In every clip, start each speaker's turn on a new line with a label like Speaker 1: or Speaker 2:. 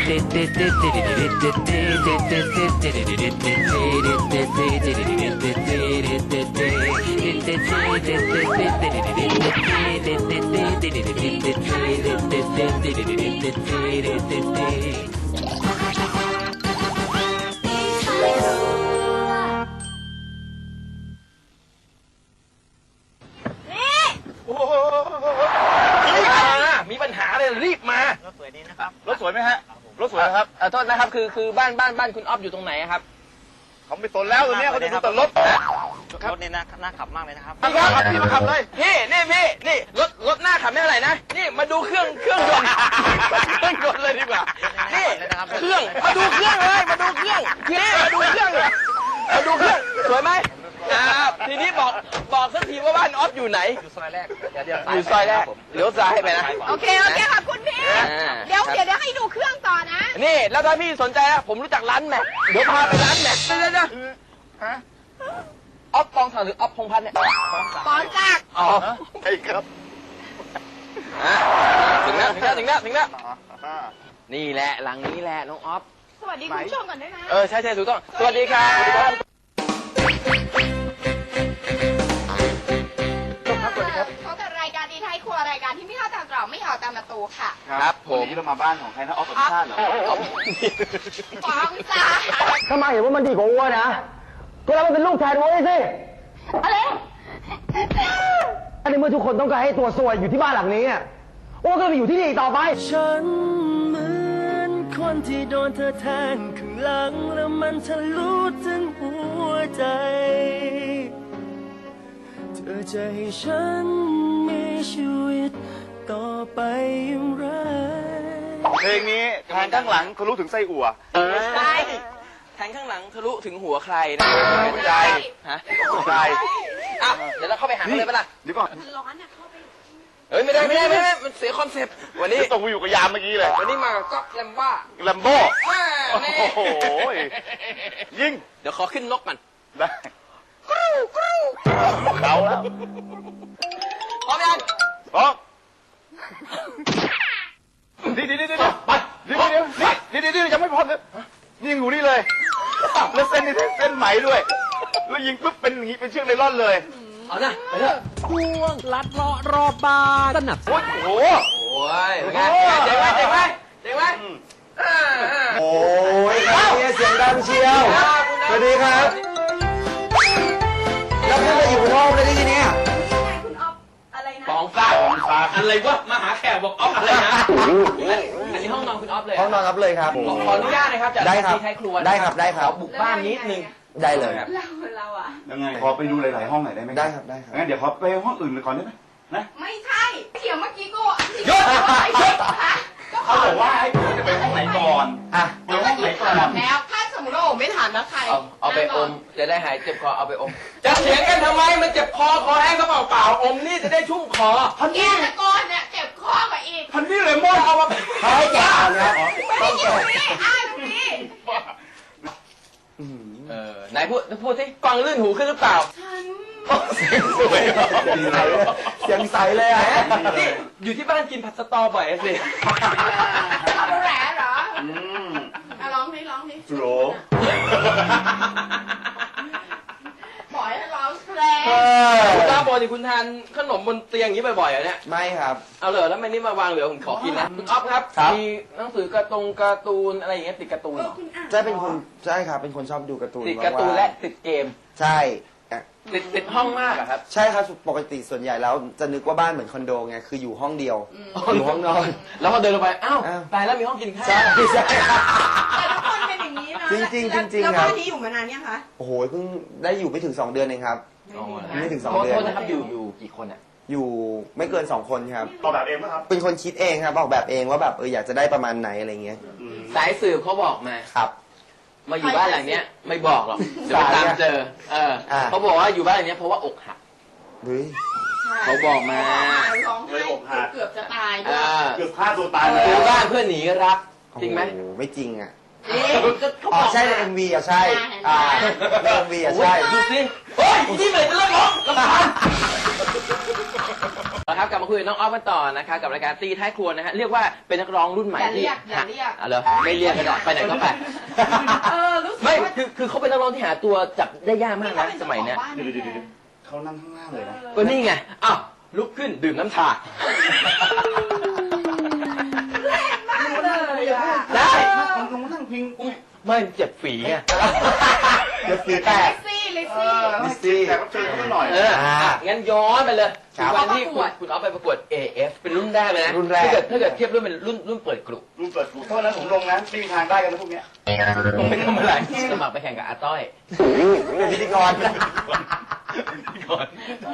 Speaker 1: มีปัญหาเลยรีบมารถสวยดีนะครับรถสวยไหมฮะรถสวยครับโทษนะครับคือบ้านคุณอ๊อฟอยู่ตรงไหนครับเขาไม่สนแล้วตัวนี้เขาจะดูแต่รถรถนี่น่าขับมากเลยนะครับพี่มาขับเลยพี่นี่รถหน้าขับไม่เท่าไหร่นะนี่มาดูเครื่องยนต์เลยดีกว่านี่เครื่องมาดูเครื่องเลยมาดูเครื่องสวยไหมทีนี้บอกสักทีว่าบ้านอ๊อฟอยู่ไหนอยู่ซอยแรกอยู่ซอยแรกเลี้ยวซ้ายไปนะ
Speaker 2: โอเคค่ะคุณพี่เดี๋ยวให้ดูเครื่องต่อนะ
Speaker 1: นี่แล้วถ้าพี่สนใจนะผมรู้จักร้านแม็กเดี๋ยวพาไปร้านแม็กเดี๋ยวอ๊อฟปองศักดิ์หรืออ๊อฟพงษ์พัฒน์เนี่ย
Speaker 2: ปองศักดิ์
Speaker 1: อ๋อใช่ครับถึงแล้วนี่แหละหลังนี้แหละน้องอ๊อฟ
Speaker 2: สวัสดีคุณผู้ชมก่อนด้วยนะ
Speaker 1: ใช่ถูกต้องสวัสดีครับ
Speaker 2: เขากับรายการดีไทยครัวรายการที่ไม่เข้าตามตรอกไม่เห่าตามประตูค่ะ
Speaker 1: ครับผม
Speaker 3: นี่เรามาบ้านของใครนะอ๊อฟสุชาติเหรอ
Speaker 2: ปองศักดิ์
Speaker 4: ถ้ามาเห็นว่ามันดีกว่าวัวนะก็แล้วมันเป็นลูกแทนวัวสิ
Speaker 2: อะไร
Speaker 4: อันนี้เมื่อทุกคนต้องการให้ตัวซวยอยู่ที่บ้านหลังนี้วัวก็ไปอยู่ที่นี่ต่อไป
Speaker 5: ฉันเหมือนคนที่โดนเธอแทงข้างหลังแล้วมันทะลุถึงหัวใจเธอจะให้ฉันมีชีวิตต่อไปอย่างไร
Speaker 3: เพลงนี้แทงข้างหลังทะลุถึงไส้อั่ว
Speaker 1: ใช่แทงข้างหลังทะลุถึงหัวใครนะ
Speaker 3: คุณยาย
Speaker 1: คุณยายเดี๋ยวเราเข้าไปหาเลยปะล่ะ
Speaker 3: เดี๋ยวก่อน
Speaker 2: ร้อนเข้าไป
Speaker 1: ไม่ได้มันเสียคอนเซ็ปต์วันนี้
Speaker 3: ต้องไปอยู่กับยามเมื่อกี้เลย
Speaker 1: วันนี้มาก็แลมโบ้
Speaker 3: โอ้โหยิง
Speaker 1: เดี๋ยวขอขึ้นนกก่อน
Speaker 3: ได้เขาแล้ว
Speaker 1: พร้อมยัง
Speaker 3: พร้อมเดี๋ยวยังไม่พร้อมเลยยิงอยู่นี่เลยแล้วเส้นนี่เส้นไหมด้วยแล้วยิงปุ๊บเป็นอย่างนี้เป็นเชือกไนล่อนเลย
Speaker 1: เอานะไปเถอะ
Speaker 5: ช่วงลัดเลาะรอบบ้านสนับ
Speaker 3: โอ้โห
Speaker 1: เจ๋งไหม
Speaker 4: โอ้ยเสียงดังเชียวสวัสดีครับแล้วพี่ไปอยู่นอกเลยได้ยังไง
Speaker 2: คุณอ๊อฟอะไรนะ
Speaker 1: ปองฟ้าอะไรวะมาหาแขกบอกอ๊อฟอะไรนะอันนี้ห้องนอนคุณอ๊อฟเลย
Speaker 4: ห้องนอนครับเลยครับ
Speaker 1: ขออนุญาตนะครับจากที่ให้ครัว
Speaker 4: ได้ครับ
Speaker 1: บุกบ้านนิดนึง
Speaker 4: ได้เลย
Speaker 2: เรา
Speaker 3: ยังไงขอไปดูหลายๆห้องหน่อยได้ไหม
Speaker 4: ได้ครับ
Speaker 3: งั้นเดี๋ยวขอไปห้องอื่นก่อนได้ไหมนะ
Speaker 2: ไม่ใช่เถียงเมื่อกี้ก็
Speaker 1: ยศ
Speaker 3: เขาบอกว่าให้ผมจะไปห้องไหนก่อน
Speaker 2: ไปห้องไหนก่อนแล้วถ้าสมมติว่าผมไม่ถามนะใคร
Speaker 1: เอาไปอมจะได้หายเจ็บคอเอาไปอมจะเถียงกันทำไมมันเจ็บคอแห้งก็เปล่าอมนี่จะได้ชุ่มคอ
Speaker 2: แกตะโกนเนี่ยเจ็บคอกว่าอีก
Speaker 1: พันนี่เลยมั่วเอามา
Speaker 4: ให้แกนะ
Speaker 2: ไม่ได้ยินนี่นี่
Speaker 1: ไหนพูดสิกวางลื่นหูขึ้นหรือเปล่าเสียงสวย
Speaker 4: เสียงใสเลย
Speaker 1: นี่อยู่ที่บ้านกินผัดสตอบ่อยสิ
Speaker 2: แหล่เหรอร้องดิ
Speaker 3: โห
Speaker 2: บอกให้ร้องเพลง
Speaker 1: คุณตาบอกดิคุณทานขนมบนเตียงอย่างนี้บ่อยๆเนี่ย
Speaker 4: ไม่ครับ
Speaker 1: เอาเลยแล้วไม่นี่มาวางเหลือผมขอกินนะคุณอ๊อฟครับมีหนังสือการ์ตูนอะไรอย่างเงี้ยติดการ์ตูน
Speaker 4: ใช่ครับเป็นคนชอบดูการ์ตูน
Speaker 1: ติดการ์ตูนและติดเกม
Speaker 4: ใช่
Speaker 1: ติดห้องมากครับ
Speaker 4: ใช่ครับปกติส่วนใหญ่แล้วจะนึกว่าบ้านเหมือนคอนโดไงคืออยู่ห้องเดียวอยู่ห้องนอน
Speaker 1: แล้วพอเดินลงไปอ้าวตายแล้วมีห้องกินข้าว
Speaker 4: ใช่
Speaker 2: แต่ทุกคนเป็นอย่างนี้นะ
Speaker 4: จริง
Speaker 2: แล้วบ้านนี้อยู่มานานยังคะ
Speaker 4: โอ้โหเพิ่งได้อยู่ไม่ถึง2 เดือนเองครับไม่ถึง2 เดือน
Speaker 1: โทษนะครับอยู่กี่คน
Speaker 4: อยู่ไม่เกิน2 คนครับ
Speaker 3: ออกแบบเองไหมครับ
Speaker 4: เป็นคนคิดเองครับออกแบบเองว่าแบบอยากจะได้ประมาณไหนอะไรเงี้ย
Speaker 1: สายสืบเขาบอกมา
Speaker 4: ครับ
Speaker 1: มาอยู่บ้านหลังเนี้ยไม่บอกหรอกเดี๋ยวตามเจอเขาบอกว่าอยู่บ้านหลังเนี้ยเพราะว่าอกหักเขาบอกมา
Speaker 2: ร้องไห้เกือบจะตายด้วย
Speaker 3: เกือบฆ่าตัวตาย
Speaker 1: ซื้อบ้านเพื่อหนีรักจริงไหม
Speaker 4: ไม่จริงอ๋อใช่ใน MV อ่ะใช่ใน MV อ่ะใช่
Speaker 1: ดูสิโอ้ยนี่เลยจะเลิกร้องรำคาญครับกลับมาคุยกับน้องออฟกันต่อนะคะกับรายการตีท้ายครัวนะฮะเรียกว่าเป็นนักร้องรุ่นใหม่ที่
Speaker 2: อย่าเรียก
Speaker 1: เหรอไม่เรียกก็ได้ไปไหนก็ไป
Speaker 2: รู้สึก
Speaker 1: ไม่
Speaker 2: ว่า
Speaker 1: คือเขาเป็นนักร้องที่หาตัวจับได้ยากมากนะสมัยเนี้ย
Speaker 3: เดี๋ยวเขานั่งข้างล่างเลยนะ
Speaker 1: ก็นี่ไงอ้าวลุกขึ้นดื่มน้ำชา
Speaker 2: เลยอะ
Speaker 1: ได้
Speaker 3: ลงนั่งพิง
Speaker 1: ไม่เจ็บฝีไง
Speaker 3: เดี๋ยวเสียแตก
Speaker 2: ลิซซี่
Speaker 3: ลิซซี่แต่ก็เชิญเขาหน่อย
Speaker 1: งั้นย้อนไปเลย
Speaker 3: ครับ
Speaker 1: วันที่คุณออฟไปประกวด AF เป็นรุ่นแรกเลยนะ
Speaker 3: รุ่นแรก
Speaker 1: ถ้าเกิดเทียบรุ่นเป็นรุ่นเปิดกลุ่ม
Speaker 3: รุ่นเปิดถูกเท่านั้นผมลงนะไม่มีทางได้กันนะพวกเนี้ย
Speaker 1: ผมไม่ทำอะไรสมัครไปแข่งกับอาต้อย
Speaker 3: เป็นพิธีกร
Speaker 1: ก่อน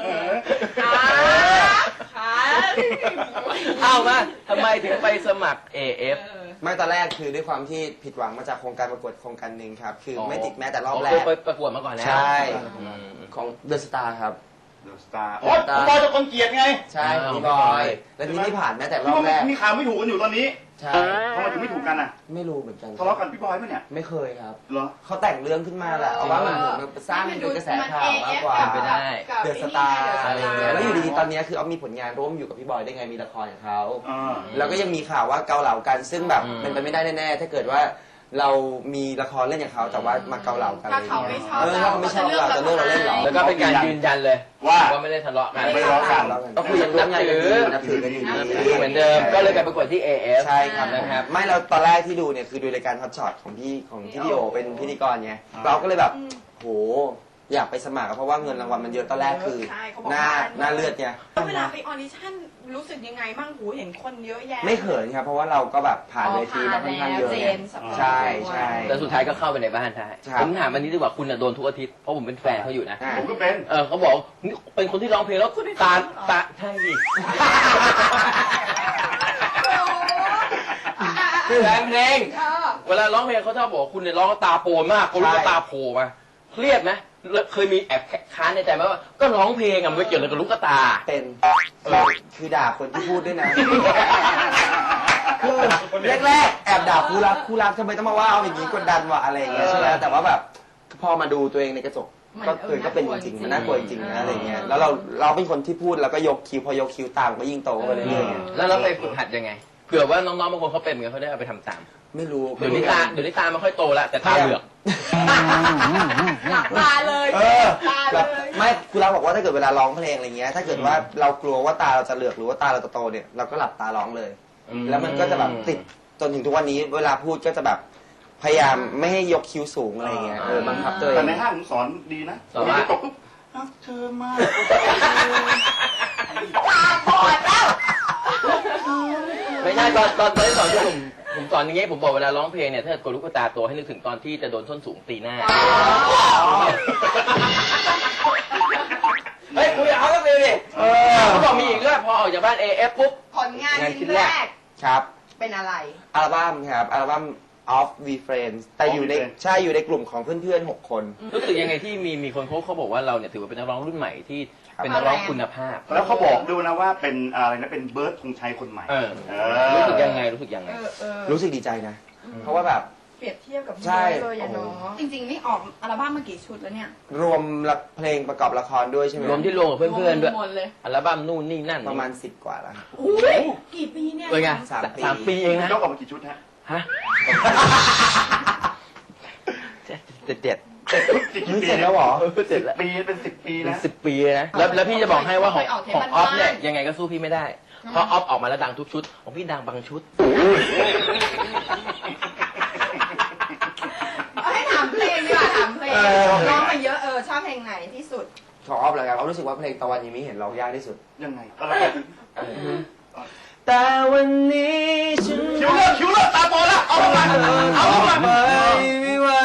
Speaker 2: ขา
Speaker 1: เอามาทำไมถึงไปสมัคร AF
Speaker 6: ไม่ตอนแรกคือด้วยความที่ผิดหวังมาจากโครงการประกวดโครงการหนึ่งครับ คือไม่ติดแม้แต่รอบแร
Speaker 1: เคย
Speaker 6: ก
Speaker 1: ไปประกวดมาก่อนแล้ว
Speaker 6: ใช่
Speaker 1: อืม
Speaker 6: ของเดอะสตาร์ครับ
Speaker 3: เดอะสตาร์โอ๊ยคุณบอยจะคนเกลียดไง
Speaker 6: ใช่
Speaker 1: อ่า
Speaker 6: พี่บอย แล้วที่ไม่ผ่านแม้แต่ร
Speaker 3: ที่
Speaker 6: อบ
Speaker 3: ว่า
Speaker 6: แรก
Speaker 3: มีข่าวไม่ถูกกันอยู่ตอนนี้
Speaker 6: ใช่
Speaker 3: ทำไมถึงไม่ถูกกันอ่ะ
Speaker 6: ไม่รู้เหมือนกัน
Speaker 3: ทะเลาะกันพี่บอยปะเนี่ย
Speaker 6: ไม่เคยครับ
Speaker 3: เหรอ
Speaker 6: เขาแต่งเรื่องขึ้นมาแหละเอาว่ามันเหมือนมันสร้างเป็นกระแสข่าวมากกว่า
Speaker 1: ไปได้
Speaker 6: เดอะสตาร์อะไรอย่างเงี้ยแล้วอยู่ดีๆตอนนี้คือเอามีผลงานร่วมอยู่กับพี่บอยได้ไงมีละครของเขา
Speaker 3: อ่า
Speaker 6: แล้วก็ยังมีข่าวว่าเกาเหลากันซึ่งแบบ
Speaker 1: อืม
Speaker 6: เป็นไปไม่ได้แน่ๆถ้าเกิดว่าเรามีละครเล่นอย่างเขาแต่ว่ามาเกาเหลากัน
Speaker 2: ถ้าเขาไม่ชอบ
Speaker 6: ถ้าเขาไม่ชอบเราจะเลือกเราเล่นเหรอ
Speaker 1: แล้วก็เป็นการยืนยันเลย
Speaker 3: ว่า
Speaker 1: ไม่ได้ทะเลาะกัน
Speaker 3: ไม่ทะเลาะกัน
Speaker 6: ก็คือยังร่วมงานกันอยู่นับถือกันอยู่ดี
Speaker 1: เหมือนเดิมก็เลยไปประกวดที่ AF
Speaker 6: ใช่ครับ
Speaker 1: นะครับ
Speaker 6: ไม่เราตอนแรกที่ดูเนี่ยคือดูรายการฮอตช็อตของพี่ดิโอเป็นพิธีกรไงเราก็เลยแบบโหอยากไปสมัครเพราะว่าเงินรางวัลมันเยอะตอนแรกคือ
Speaker 2: ใช่เขาบอก
Speaker 6: หน้าเลือดไง
Speaker 2: เวลาไปออดิชั่นรู้สึกยังไงบ้างหูเห็นคนเยอะแยะ
Speaker 6: ไม่เขินครับเพราะว่าเราก็แบบผ่านเวทีมาค่อนข้างเยอะ
Speaker 2: เจ
Speaker 6: ไง
Speaker 2: นสำหรับ
Speaker 6: ใช่ใช่
Speaker 1: แต่สุดท้ายก็เข้าไปในบ้านได้
Speaker 6: ครับ
Speaker 1: ผมถามวันนี้ดีกว่าคุณน่ะโดนทุกอาทิตย์เพราะผมเป็นแฟนเขาอยู่นะ
Speaker 6: อ่า
Speaker 3: ผมก็เป็น
Speaker 1: เขาบอกนี่เป็นคนที่ร้องเพลงแล้วตาใช่ดิแฟนเพลง เวลาร้องเพลงเขาชอบบอกว่าคุณเนี่ยร้องแล้วตาโปนมากคนรู้ว่าตาโผล่มาเครียดไหมแล้วเคยมีแอบค้านในใจไหมว่าก็ร้องเพลงอะมันไม่เกี่ยวอะไรกับลูกตา
Speaker 6: เป็นคือด่าคนที่พูดด้วยนะ คือแรกๆแอบด่าคู่รักทำไมต้องมาว่าเอาอย่างนี้กดดันวะอะไรอย่างเงี้ยใช่ไหมแต่ว่าแบบพอมาดูตัวเองในกระจกก็เป็นจริงๆมันน่ากลัวจริงๆนะอะไรเงี้ยแล้วเราเป็นคนที่พูดแล้วก็ยกคิ้วพอยกคิ้วตามก็ยิ่งโตไปเรื่อยๆไง
Speaker 1: แล้วเราไปฝึกหัดยังไงเผื่อว่าน้องๆบางคนเขาเป็นเหมือนกันเขาได้เอาไปทำตาม
Speaker 6: ไม่รู้
Speaker 1: เดี๋ยวนี้ตาไม่ค่อยโตแล้วแต่ตาเหลือก
Speaker 2: หลับตาเลย
Speaker 6: เออ
Speaker 2: ตาเลย
Speaker 6: ไม่คุณเราบอกว่าถ้าเกิดเวลาร้องเพลงอะไรเงี้ยถ้าเกิดว่าเรากลัวว่าตาเราจะเหลือกหรือว่าตาเราจะโตเนี่ยเราก็หลับตาร้องเลย แล้วมันก็จะแบบติดจนถึงทุกวันนี้เวลาพูดก็จะแบบพยายามไม่ให้ยกคิ้วสูงอะไรเงี้ยบังคับตัวเอ
Speaker 3: แต่
Speaker 6: ง
Speaker 3: ในห้างผมสอนดีนะ
Speaker 1: สอนว่า
Speaker 3: ตกปุ๊บรักเธอมาก
Speaker 2: ตาบอดแล้ว
Speaker 1: ไม่ใช่ตอนที่สอนผมสอนอย่างเงี้ยผมบอกเวลาร้องเพลงเนี่ยถ้าเกิดลูกตาโตให้นึกถึงตอนที่จะโดนส้นสูงตีหน้าเฮ้ยคุยกับเขาก็เลยดิเขาบอกมีอีกเรื่องพอออกจากบ้าน AF ปุ๊บ
Speaker 2: ผลงานชิ้นแรก
Speaker 6: ครับ
Speaker 2: เป็นอะไร
Speaker 6: อัลบั้มครับอัลบั้ม Of We Friends แต่อยู่ในกลุ่มของเพื่อนๆ6 คน
Speaker 1: รู้สึกยังไงที่มีคนเขาบอกว่าเราเนี่ยถือว่าเป็นนักร้องรุ่นใหม่ที่เป็นนักร้องคุณภาพ
Speaker 3: แล้วเขาบอกด้วยนะว่าเป็นอะไรนะเป็นเบิร์ดธงชัยคนใหม่
Speaker 1: รู้สึกยังไง
Speaker 6: รู้สึกดีใจนะ เพราะว่าแบบ
Speaker 2: เปรียบเทียบกับ
Speaker 6: ใช่
Speaker 2: เลยอะเนาะจริงๆนี่ออกอัลบั้มมากี่ชุดแล้วเนี่ย
Speaker 6: รวมเพลงประกอบละครด้วยใช่ไหม
Speaker 1: รวมที่รวมกับเพื่อนๆด้วย
Speaker 2: หมดเลย
Speaker 1: อัลบั้มนู่นนี่นั่น
Speaker 6: ประมาณ10 กว่าแล้วครับ
Speaker 2: อุ้ยกี่ปีเนี่ย
Speaker 1: เป็นไง
Speaker 6: 3 ปี
Speaker 1: 3 ปีเองนะ
Speaker 3: ยกออกมากี่ชุดฮะ
Speaker 1: ฮะเจ็ด
Speaker 6: นี่เสร็จแล้วเหรอ
Speaker 1: เจ็ดแล้ว
Speaker 3: ปีเป็น10 ปีนะ
Speaker 1: 10 ปีนะแล้วพี่จะบอกให้ว่าของออฟเนี่ยยังไงก็สู้พี่ไม่ได้ เพราะออฟออกมาแล้วดังทุกชุด ของพี่ดังบางชุด
Speaker 2: เอาให้ถามเพลงดีกว่าถามเพลงร้องมาเยอะชอบเพลงไหนที่สุด
Speaker 6: ของออฟเลยครับเอารู้สึกว่าเพลงตะวันยังไม่เห็นร้องยากที่สุด
Speaker 3: ยังไงอะไรกัน
Speaker 6: แต่วันนี้ฉัน
Speaker 3: คิวเลิกตาโตแล้วเอาลงมาเอาลงมา
Speaker 6: ไม่ไหว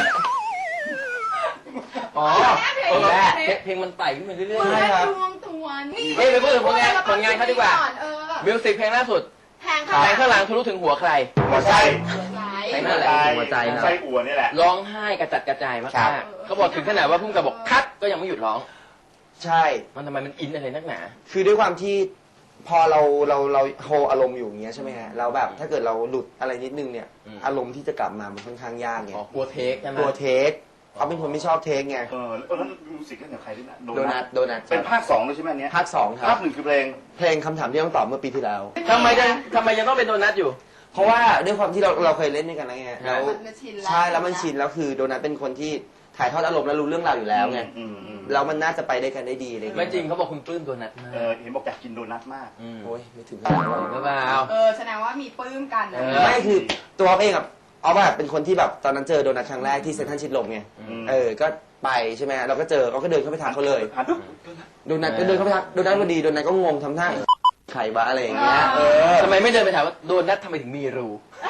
Speaker 1: อ๋อเพลงมันไต่ขึ้นมาเรื่อย
Speaker 2: เมื่อ
Speaker 6: ครับ
Speaker 2: ดวงตัวนี่
Speaker 1: ๆเฮ้ยไปพูดถึงผลงานเขาดีกว่า มิวสิกเพลงล่าสุด
Speaker 2: แทง
Speaker 1: เพลงข้างหลังทะลุถึงหัวใคร
Speaker 3: หัวใจ
Speaker 1: เพลงนั่นแหละ
Speaker 6: หัวใจนะ
Speaker 3: ใจอัวนี่แหละ
Speaker 1: ร้องไห้กระจัดกระจายมากๆเขาบอกถึงขนาดว่าพุ่งกับบอกคัดก็ยังไม่หยุดร้อง
Speaker 6: ใช่
Speaker 1: มันทำไมมันอินอะไรนักหนา
Speaker 6: คือด้วยความที่พอเราโฮอารมณ์อยู่อย่างเงี้ยใช่ไหมฮะแล้วแบบถ้าเกิดเราหลุดอะไรนิดนึงเนี่ย
Speaker 1: อืม
Speaker 6: อารมณ์ที่จะกลับมามันค่อนข้างยากไง
Speaker 1: อ๋อกลัวเทคใช่ไหม
Speaker 6: ตัวเทคเขาเป็นคนไม่ชอบเทคไง
Speaker 3: แล้วมิวสิกเล่นกับใครด้วยนะ
Speaker 6: โดนัท
Speaker 3: เป็นภาค2ด้วยใช่ไหมอันเนี้ย
Speaker 6: ภาค 2 ครับ
Speaker 3: ภาค1คือเพลง
Speaker 6: เพลงคำถามที่ต้องตอบเมื่อปีที่แล้ว
Speaker 1: ทำไมยังต้องเป็นโดนัทอยู่
Speaker 6: เพราะว่าด้วยความที่เราเคยเล่นด้วยกันแล้วไงแล้ว
Speaker 2: มันชินแล้ว
Speaker 6: ใช่แล้วมันชินแล้วคือโดนัทเป็นคนที่ถ่ายทอดอารมณ์แล้วรู้เรื่องราวอยู่แล้วไงแล้วมันน่าจะไปได้กันได้ดีเลย
Speaker 1: ไม่จริงเขาบอกคุณปลื้มโดนัทมาก
Speaker 3: เห็นบอกอยากกินโดนัทมาก
Speaker 6: โอ้ยไม่ถึงขนาดนั้น
Speaker 1: หรือเปล่า
Speaker 2: แสดงว่ามีปลื้มกันนะ
Speaker 6: ไม่คือตัวเขาเองอะเอาแบบเป็นคนที่แบบตอนนั้นเจอโดนัทครั้งแรกที่เซ็นทรัลชิดลมไงก็ไปใช่ไหมเราก็เจอเขาก็เดินเข้าไปทักเขาเลย โดนัทก็เดินเข้าไปทักโดนัทพอดีโดนัทก็งงทำท่าไข่บ้าอะไรอย่างเงี้ย
Speaker 1: ทำไมไม่เดินไปถามว่าโดนัททำไมถึงมีรู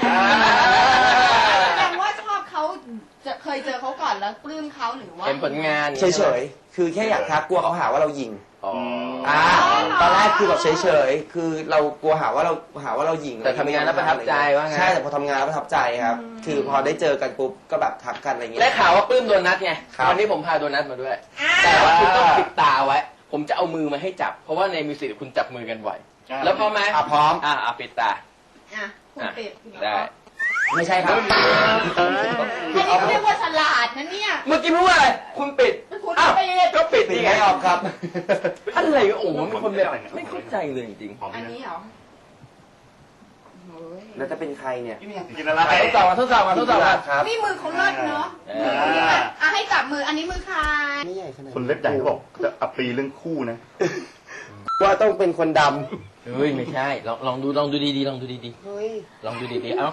Speaker 2: แสดงว่าชอบเขาจะเคยเจอเขาก่อนแล้วปลื้มเขาหรือว่า
Speaker 1: เป็นผลงาน
Speaker 6: เฉยๆคือแค่อยากทักกลัวเขาหาว่าเรายิง
Speaker 1: อ๋อ
Speaker 6: ตอนแรกคือแบบเฉยๆ คือเรากลัวหาว่าเราหยิง
Speaker 1: แต่ทำงานแล้วประทับใจว่าไง
Speaker 6: ใช่ แต่พอทำงานแล้วประทับใจครับ คือพอได้เจอกันปุ๊บก็แบบทักกันอะไรเงี้
Speaker 1: ได้
Speaker 6: ย
Speaker 1: ข่าวว่าปลื้มโดนัทไง
Speaker 6: ครับ
Speaker 1: วันนี้ผมพาโดนัทมาด้วย แต่ว่าคุณต้องปิดตาไว้ ผมจะเอามือมาให้จับ เพราะว่าในมิวสิกคุณจับมือกันบ่อย แล้วพร้อมไหม
Speaker 6: พร้อม
Speaker 1: ปิดตา
Speaker 2: คุณปิด
Speaker 1: ได้
Speaker 6: ไม่ใช่ครับ
Speaker 2: อันนี้เรียกว่าฉลาดนะเนี่ย
Speaker 1: เมื่อกี้พูดว่าอะไร คุณปิด
Speaker 2: คุณ
Speaker 1: อ้าว
Speaker 2: ปิด
Speaker 1: ก็ปิด
Speaker 6: ปิด
Speaker 1: นี่ไง
Speaker 6: ไม่ออกครับ
Speaker 1: อะไรโอ้โหมีคนแบบไม่เข้าใจเลยจริง
Speaker 2: อันนี้เหรอ
Speaker 6: แล้วจะเป็นใครเนี่ย
Speaker 3: กินอะไร
Speaker 1: ๆทดสอบมา
Speaker 6: ครับ
Speaker 2: นี่มือเขาเลิศเนาะให้จับมืออันนี้มือใคร
Speaker 6: ไม่ใหญ่ขนาด
Speaker 3: คนเล็บใหญ่เขาบอกจะอัปปีเรื่องคู่นะ
Speaker 6: ว่าต้องเป็นคนด
Speaker 1: เฮ้ยไม่ใช่ ลองดูดีๆ
Speaker 6: ำเฮ้ย
Speaker 1: ลองดูดีๆ เอ้า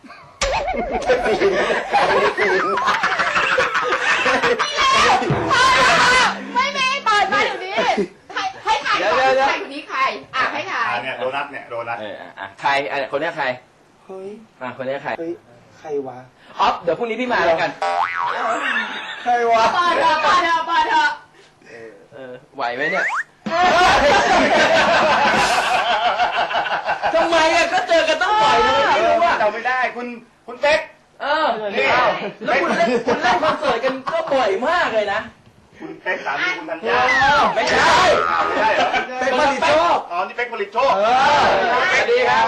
Speaker 2: ไม่มีเปิดมาอยู่นี้ให้ถ่ายก่อนใครคนนี้ใครให้ถ่าย
Speaker 3: เนี่ยโดนัทเนี่ยโดนัท
Speaker 1: ใครคนนี้ใคร
Speaker 6: เฮ้ย
Speaker 1: คนนี้ใคร
Speaker 6: เฮ้ย ใครวะ
Speaker 1: ออฟเดี๋ยวพรุ่งนี้พี่มาแล้วกัน
Speaker 6: ใครวะ
Speaker 2: เปิดเถอะ
Speaker 1: ไหวไหมเนี่ย ทำไมอะก็เจอกันต้องไหวนะไม่รู้อะ
Speaker 3: จำไม่ได้คุณเป๊ก
Speaker 1: นี่แล้วคุณเล่นคอนเสิร์ตกันก็บ่อยมากเลยนะ
Speaker 3: คุณเป๊กสามีคุณธัญญา
Speaker 1: ไม่ใช่
Speaker 3: ไม่ใช่เหรอ
Speaker 6: เป๊กผลิตโชค
Speaker 3: อ๋อนี่เป๊กผลิตโชค
Speaker 1: สวัสดีครับ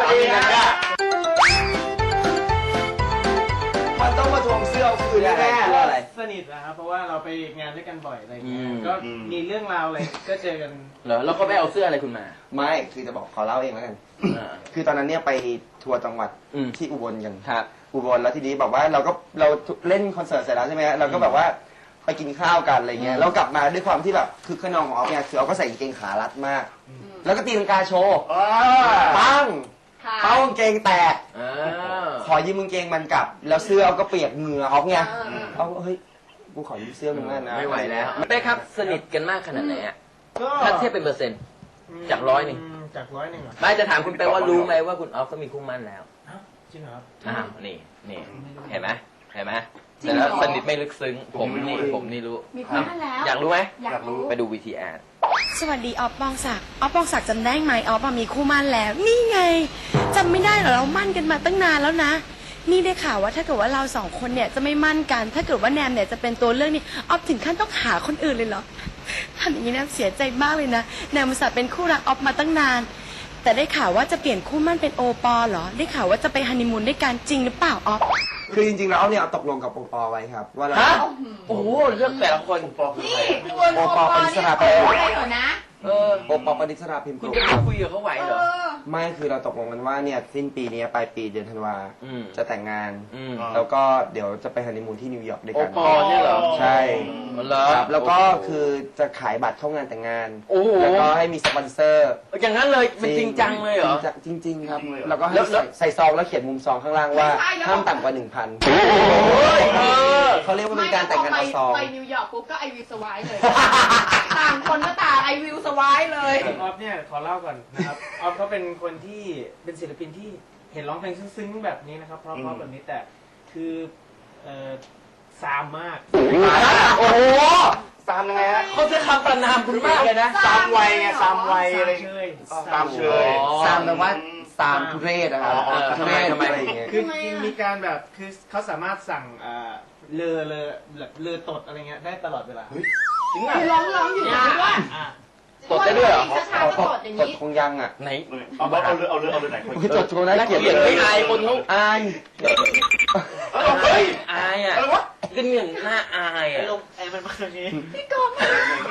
Speaker 6: มันต้องมาทวงเสื้อคืนแน่ๆอะไร
Speaker 5: สนิทนะครับเพราะว่าเราไปงานด้วยกันบ่อยอะไรอย่างเงี้
Speaker 1: อื
Speaker 5: ย
Speaker 1: ม
Speaker 5: ก็มีเรื่องราวอะไรก็เจอกัน
Speaker 1: เหรอแล้วก็ไปเอาเสื้ออะไรคุณมา
Speaker 6: ไม่ คือจะบอกขอเล่าเองแล้วกัน คือตอนนั้นเนี่ยไปทัวร์จังหวัดที่อุบลกัน
Speaker 1: ครับ
Speaker 6: อุบลแล้วทีนี้บอกว่าเราเล่นคอนเสิร์ตเสร็จแล้วใช่ไหมฮะเราก็แบบว่าไปกินข้าวกันอะไรเงี้ยแล้วกลับมาด้วยความที่แบบคือขนองของออฟเนี่ยคือเอาก็ใส่กางเกงขารัดมาก แล้วก็ตีลังกาโชว์ปังเป้ากางเกงแตกขอยืมกางเกงมันกลับ แล้วเสื้อเอาก็เปียกเหงื่อออฟไงเอาเฮ้ยกูขอยืมเสื้อมึงนะ
Speaker 1: ไม่ไหวแล้วเป้ครับสนิทกันมากขนาดไหนอะ
Speaker 5: ก็
Speaker 1: ถ้าเทียบเป็นเปอร์เซ็นต์ จาก100
Speaker 5: จาก100เหรอ
Speaker 1: ไม่จะถามคุณเป้ว่ารู้ไหมว่าคุณออฟก็มีคู่มั่นแล้ว
Speaker 5: จริงเหรอครับ
Speaker 1: นี่เห็นไหมแต่แล้วสนิทไม่ลึกซึ้งผมนี่รู้
Speaker 2: มีคู่มั่นแล้ว
Speaker 1: อยากรู้ไหม
Speaker 2: อยากรู้
Speaker 1: ไปดู VTR
Speaker 7: สวัสดีออฟปองศักดิ์ออฟปองศักดิ์จำได้ไหมออฟมีคู่มั่นแล้ว นี่ไงจำไม่ได้เหรอเรามั่นกันมาตั้งนานแล้วนะ นี่ได้ข่าวว่าถ้าเกิดว่าเราสองคนเนี่ยจะไม่มั่นกัน ถ้าเกิดว่าแนมเนี่ยจะเป็นตัวเลือกนี่ออฟถึงขั้นต้องหาคนอื่นเลยเหรอทำอย่างนี้นะเสียใจมากเลยนะแนมอุตส่าห์เป็นคู่รักออฟมาตั้งนาน แต่ได้ข่าวว่าจะเปลี่ยนคู่มั่นเป็นโอปอเหรอได้ข่าวว่าจะไปฮันนีมูนด้วยกันจริงหรือเปล่าออฟ
Speaker 6: คือจริงๆแล้วเนี่ยตกลงกับโอปอไว้ครับว่าเรา
Speaker 1: ฮะ โอ้โหเลือกแต่ละคน
Speaker 2: นี่คุณโอปอนี่ใครเหรอนะ
Speaker 6: โอปอปณิสราพิมพ์
Speaker 1: คุณ
Speaker 6: โปร
Speaker 1: จะไปคุยกับเขาไหวเหรอ
Speaker 6: ไม่คือเราตกลงกันว่าเนี่ยสิ้นปีนี้ปลายปีเดือนธันวา
Speaker 1: อืม
Speaker 6: จะแต่งงาน
Speaker 1: อืม
Speaker 6: แล้วก็เดี๋ยวจะไปฮันนีมูนที่นิวยอร์กด้วย
Speaker 1: โอ
Speaker 6: กัน
Speaker 1: ปอเนี่ยเหรอ
Speaker 6: ใช่
Speaker 1: เหรอ
Speaker 6: ครับแล้วก็คือจะขายบัตรเข้างานแต่งงาน
Speaker 1: โอ้โห
Speaker 6: แล้วก็ให้มีสปอนเซอร์
Speaker 1: อย่างนั้นเลยมันจริงจังเลยเหรอ
Speaker 6: จริงๆครับ
Speaker 3: จริงเลยเหรอ
Speaker 6: แล้วก็ให้
Speaker 1: แล้ว
Speaker 6: ใส่ซองแล้วเขียนมุมซองข้างล่างว่า
Speaker 2: ไม่ใช่แล้ว
Speaker 6: ห้ามต่ำกว่า 1,000 เขาเรียกว่าเป็นการแต่งงานเอาซอง
Speaker 2: ไปนิวยอร์กปุ๊บก็ไอวิวสวายเลย ต่างคนก็ต่างไอวิวสวายเลย
Speaker 5: ออฟเนี่ยขอเล่าก่อนนะครับ ออฟเขาเป็นคนที่เป็นศิลปินที่เห็นร้องเพลงซึ้งๆแบบนี้นะครับเพราะๆแบบนี้แต่คือซามมาก
Speaker 1: โอ้โห
Speaker 3: ตามยังไงฮะ
Speaker 1: เขาจะคำประนามคุณมากเลยนะ
Speaker 3: ตามวัยไงตามวัยอะไร
Speaker 5: เชย
Speaker 3: ตามเชย
Speaker 6: ซามแปลว่าซามทุเรศนะครับ
Speaker 1: ทำไม
Speaker 6: อะไรอย่างเงี้ย
Speaker 5: คือจริงๆมีการแบบคือเขาสามารถสั่งเรือตดอะไรเงี้ยได้ตลอดเวลา
Speaker 1: จริงอ่ะ
Speaker 2: ร้องอยู่นะว่า
Speaker 5: อ่ะ
Speaker 1: ตดได้ด้วยเหรอ
Speaker 2: ช้าๆก็ตดอย่าง
Speaker 6: กด
Speaker 2: นี้
Speaker 6: คงยังอ่ะ
Speaker 1: ไหน
Speaker 3: เอาเรือไหนคน
Speaker 6: จดคงน่าเกลียด
Speaker 1: ไม่อายคนเขา
Speaker 6: อาย
Speaker 1: อายอ่ะ
Speaker 3: อะไรวะ
Speaker 1: ก็เนี่ยน่าอายอ่ะ
Speaker 5: ลงแอร์มันมาอย่างนี้
Speaker 2: พี่กบมา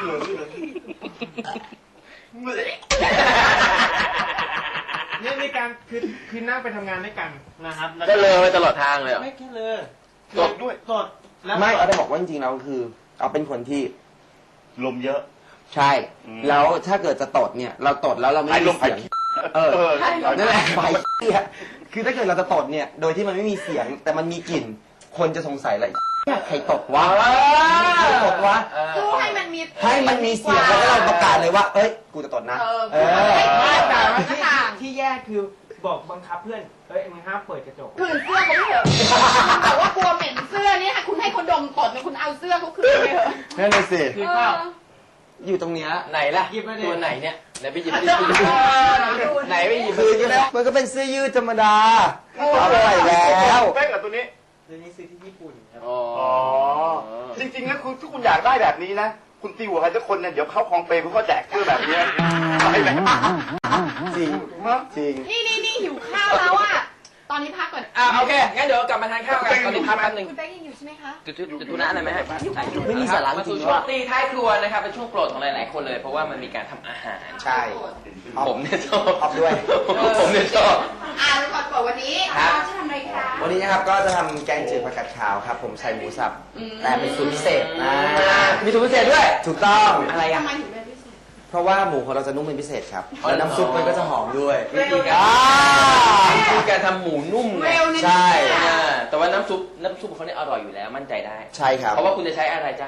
Speaker 5: เนี่ยมีการคือนั่งไปทำงานด้วยกันนะครับแล้ว
Speaker 1: ก็เลยไปตลอดทางเลยเหรอ
Speaker 5: ไม่แค่เลย
Speaker 3: ตดด้วย
Speaker 5: ตดแล้ว
Speaker 6: ไม่เอาจะบอกว่าจริงๆเราคือเอาเป็นคนที่
Speaker 3: ลมเยอะ
Speaker 6: ใช่ แล้วถ้าเกิดจะตดเนี่ย เราตดแล้วเราไม่
Speaker 3: ไอ้ล
Speaker 6: มี
Speaker 3: มไผ่
Speaker 6: เสียงเออนั่นแหละไผ่เหี้ยคือถ้าเกิดเราจะตดเนี่ย โดยที่มันไม่มีเสียง แต่มันมีกลิ่น คนจะสงสัยเลยใครตดวะใครตดวะ
Speaker 2: สู้ให้มันมี
Speaker 6: ให้มันมีเสียงแล้วก็เราประกาศเลยว่า เอ้ย กูจะตดนะ
Speaker 2: เออให้แต่มันก็ต่าง
Speaker 5: ที่แย่คือบอกบังคับเพื่อนเฮ้ยมึงห้ามเปิดกระจก
Speaker 2: คืนเสื้อเขาไม่เถอะแต่ว่ากลัวเหม็นเสื้อเนี่ยคุณให้เขาดมตดเนี่ยคุณเอาเสื้อเขาคืนไปเถอะ
Speaker 6: นั่นเลยสิ
Speaker 5: คือเปล่า
Speaker 6: อยู่ตรงเนี้ย
Speaker 1: ไหนล่ะ
Speaker 5: หยิบมาดิ
Speaker 1: ตัวไหนเนี่ยไหนไปหยิบ
Speaker 2: เอ
Speaker 1: ดิ
Speaker 2: อ
Speaker 1: ไหนไปหยิบ
Speaker 6: คือมันก็เป็นเสื้อยืดธรรมดาเอาไปแล้ว
Speaker 3: เป๊กกับตัวนี้
Speaker 5: ตัวนี้ซื้อที่ญี่ปุ่นครับ
Speaker 1: อ๋อ
Speaker 3: อ๋อ จริงๆแล้วคุณถ้าคุณอยากได้แบบนี้นะ คุณตีหัวใครสักคนเนี่ยเดี๋ยวเข้าคลองเปรย์คุณก็แจกเสื้อแบบนี้ไปแบบ
Speaker 6: จริงจริง
Speaker 2: นี่หิวข้าวแล้วอ่ะ ตอนนี้พักก่อน
Speaker 1: โอเค งั้นเดี๋ยวกลับมาทานข้าวกันตอนนี้พักแป๊บนึง
Speaker 2: คุณแป้งยังอยู่ใช่ไหมคะ
Speaker 1: จุดธุระอะไรไหมฮะ
Speaker 6: ไม่มีสาระ
Speaker 1: มา
Speaker 6: จริ
Speaker 1: สู่
Speaker 6: ง
Speaker 1: ช่วงตีท้ายครัวนะครับ เป็นช่วงโปรดของหลายๆคนเลย เพราะว่ามันมีการทำอาหาร
Speaker 6: ใช่
Speaker 1: ผมเนี่ยชอบ
Speaker 6: ชอบด้วย
Speaker 1: ผมเนี่ยชอบ
Speaker 2: ทุกคนบอกวันนี้
Speaker 1: ครับ
Speaker 2: เราจะทำอะไรคะ
Speaker 6: วันนี้นะครับก็จะทำแกงจืดผักกาดขาวครับ ผมใส่หมูสับ แต่เป็นสูตรพิเศษ
Speaker 1: มีสูตรพิเศษด้วย
Speaker 6: ถูกต้อง
Speaker 1: อะไรอ่ะ
Speaker 2: ทำไมถึงเป็นพิเศษ
Speaker 6: เพราะว่าหมูของเราจะนุ่มเป็นพิเศษครับ
Speaker 1: อ๋อ
Speaker 6: แล้วน้ำซุปมันก็จะหอมด้วย
Speaker 1: วิธีการวิธีการทำหมูนุ่มไง
Speaker 2: เร็วนะ
Speaker 6: ใช่
Speaker 1: แต่ว่าน้ำซุปของเขาเนี่ยอร่อยอยู่แล้วมั่นใจได้
Speaker 6: ใช่ครับ
Speaker 1: เพราะว่าคุณจะใช้อะไรจ้า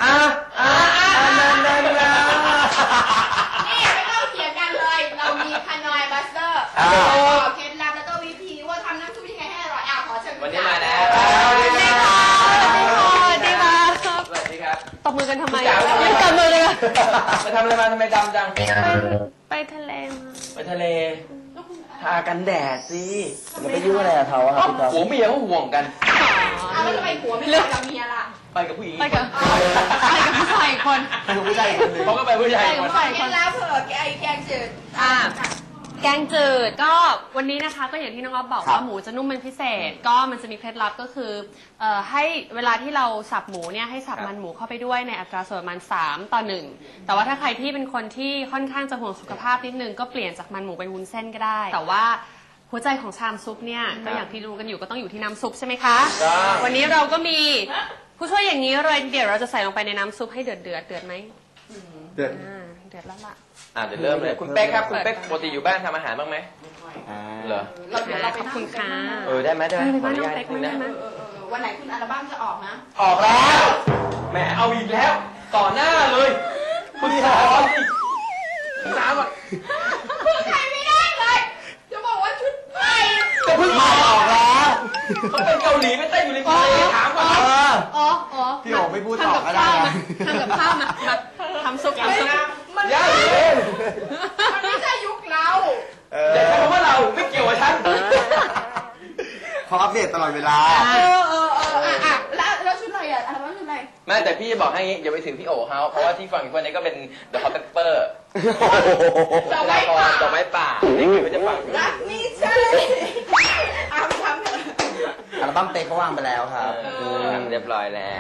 Speaker 6: นั่น
Speaker 2: นี่ไม่ต้องเถียงกันเลย เรามีคานอยบัสเตอร์บอกเคล็ดลับแล้วก็วิธีว่าทำน้ำซุปยังไงให้อร่อยขอเชิญ
Speaker 1: วันนี้มาแล้ว
Speaker 2: สวัสดีค่ะ
Speaker 7: สวัสดีค่ะ
Speaker 1: สวัสดีครับ
Speaker 7: ตบมือกันทำไม
Speaker 1: จ๋า
Speaker 7: ไม่ตบมือเลยอะ
Speaker 1: ไปทำอะไรมาทำไมดำจัง
Speaker 7: ไปทะเลมา
Speaker 1: ไปทะเลทากันแดดสิ
Speaker 6: แล้วไปยุ่งอะไรกับเขาอะครับพี่ก๊อฟ
Speaker 1: ผัวเมียเขาห่วงกัน
Speaker 2: เอาแล้วทำไมผัวไม่เลิกกับเมียล่ะ
Speaker 1: ไปกับผู้หญิง
Speaker 7: ไปกับผู้ชายอีกคน
Speaker 6: คือผู้ชายอีกคนหนึง
Speaker 1: เขาก็ไปผู้ชาย
Speaker 7: ไป
Speaker 1: ค
Speaker 7: กับ
Speaker 1: น
Speaker 7: ผู้ชายอีก
Speaker 2: เค
Speaker 7: ค
Speaker 2: ล็ด
Speaker 7: น
Speaker 2: ลับเผื่อแกงจืด
Speaker 7: แกงจืดก็วันนี้นะคะก็อย่างที่น้องอ๊อฟบอกว่าหมูจะนุ่มเป็นพิเศษ ก็มันจะมีเคล็ดลับก็คือให้เวลาที่เราสับหมูเนี่ยให้สับมันหมูเข้าไปด้วยในอัตราส่วนประมาณ3:1แต่ว่าถ้าใครที่เป็นคนที่ค่อนข้างจะห่วงสุขภาพนิดนึงก็เปลี่ยนจากมันหมูเป็นวุ้นเส้นก็ได้ แต่ว่าหัวใจของชามซุปเนี่ยก็อย่างที่รู้กันอยู่ก็ต้องอยู่ที่น้ำซุปใช่ไหมคะวันนี้เราก็มีผู้ช่วยอย่างนี้เลยเดี๋ยวเราจะใส่ลงไปในน้ำซุปให้เดือดไหม
Speaker 6: เดือด
Speaker 7: เดือดแล้วล่ะ
Speaker 1: เดี๋ยวเริ่มเลย คุณเป๊กครับ คุณเป๊กปกติอยู่บ้านทำอาหารบ้างไหมเหรอ
Speaker 2: เราเดี๋ยวเราไป
Speaker 7: ขอบคุณค่ะ
Speaker 1: ได้ไหมได้ไหม
Speaker 7: ไป
Speaker 1: ขอ
Speaker 7: บ้า
Speaker 1: อน นุ
Speaker 7: น้อง
Speaker 1: ญาต
Speaker 7: เป๊ก
Speaker 1: นิด
Speaker 7: มั้
Speaker 1: นึ
Speaker 7: ย
Speaker 1: ง
Speaker 7: ได้
Speaker 1: นะ
Speaker 7: ไหม
Speaker 2: วันไหนคุณอัลบั้มจะออกนะ
Speaker 1: ออกแล้วแหมเอาอีกแล้ว ต่อหน้าเลยคุณสอนน้ำอ่ะ
Speaker 2: พูดไทยไม่ได้เลย จะบอกว่าชุดไทย
Speaker 1: ก็เพิ่งมาออกแล้วเขาเป็นเกาหลีไม่เต้นอยู่ในทะเลถามก่อนครับ
Speaker 7: อ๋อ
Speaker 6: พี่โอ๋ไม่พูดต่อก็ได้นะ
Speaker 7: ทำกับข้าวมาทำซุป
Speaker 2: มัน
Speaker 1: ย่าเล่น
Speaker 2: มันไม่ใช่ยุคเรา
Speaker 1: อย่าใช้คำว่าเราไม่เกี่ยวกับฉัน
Speaker 6: เขาอัปเดตตลอดเวลา
Speaker 2: แล้วชุดอะไรอ่ะอัลบั้มชุดอะไร
Speaker 1: ไม่แต่พี่จะบอกให้งี้อย่าไปถึงพี่โอ๋เขาเพราะว่าที่ฟังอีกคนนี้ก็เป็น The Hot Pepper
Speaker 2: ดอกไม้ป่า
Speaker 1: ดอกไม้ป่านี่คือจะฟัง
Speaker 2: รักนี่ใช่ทำเถอะ
Speaker 6: อัลบั้มเป๊กเขาวางไปแล้วครับ
Speaker 1: เรียบร้อยแล้ว